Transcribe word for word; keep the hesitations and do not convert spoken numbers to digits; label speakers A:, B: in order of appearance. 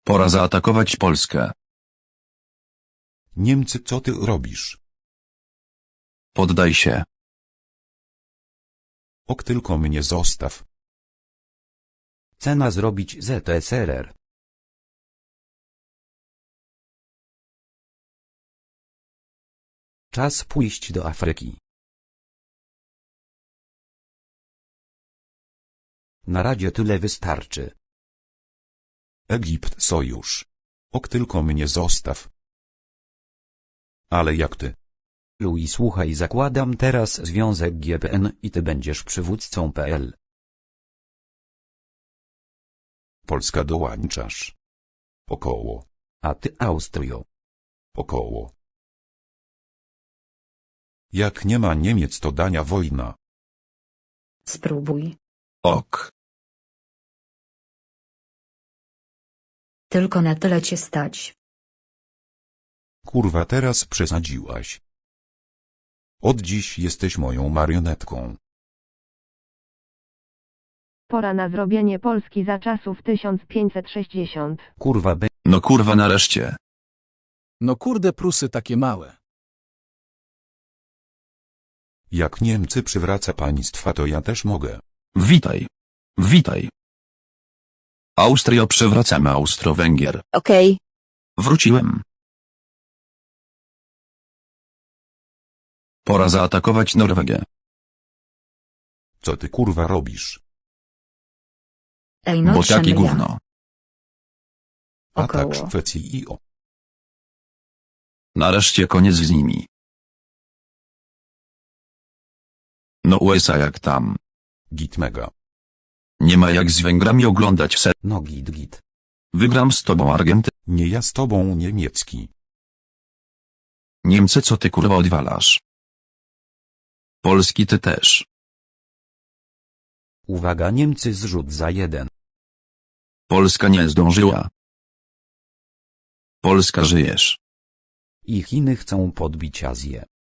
A: Pora zaatakować Polskę.
B: Niemcy, co ty robisz?
A: Poddaj się.
B: Ok, tylko mnie zostaw.
C: Cena zrobić Z S R R. Czas pójść do Afryki. Na razie tyle wystarczy.
B: Egipt, sojusz. Ok, tylko mnie zostaw. Ale jak ty?
C: Louis, słuchaj, zakładam teraz związek G P N i ty będziesz przywódcą P L.
B: Polska, dołączasz. Około.
C: A ty Austrio.
B: Około. Jak nie ma Niemiec, to dania wojna.
D: Spróbuj.
A: Ok.
D: Tylko na tyle cię stać.
B: Kurwa, teraz przesadziłaś. Od dziś jesteś moją marionetką.
E: Pora na zrobienie Polski za czasów tysiąc pięćset sześćdziesiąt.
C: Kurwa be...
A: No kurwa nareszcie.
F: No kurde, Prusy takie małe.
B: Jak Niemcy przywraca państwa, to ja też mogę.
A: Witaj. Witaj. Austrio, przywracamy Austro-Węgier.
G: Okej.
A: Wróciłem. Pora zaatakować Norwegię.
B: Co ty kurwa robisz?
D: Ej no
A: Bo
D: trzemy
A: takie
D: ja.
A: gówno.
B: Atak
D: Około.
B: Szwecji i o.
A: Nareszcie koniec z nimi. No U S A jak tam.
B: Git mega.
A: Nie ma jak z Węgrami oglądać se.
C: No git git.
A: Wygram z tobą Argenty.
B: Nie ja z tobą niemiecki.
A: Niemcy, co ty kurwa odwalasz? Polski ty też.
C: Uwaga, Niemcy, zrzut za jeden.
A: Polska nie zdążyła. Polska, żyjesz.
C: I Chiny chcą podbić Azję.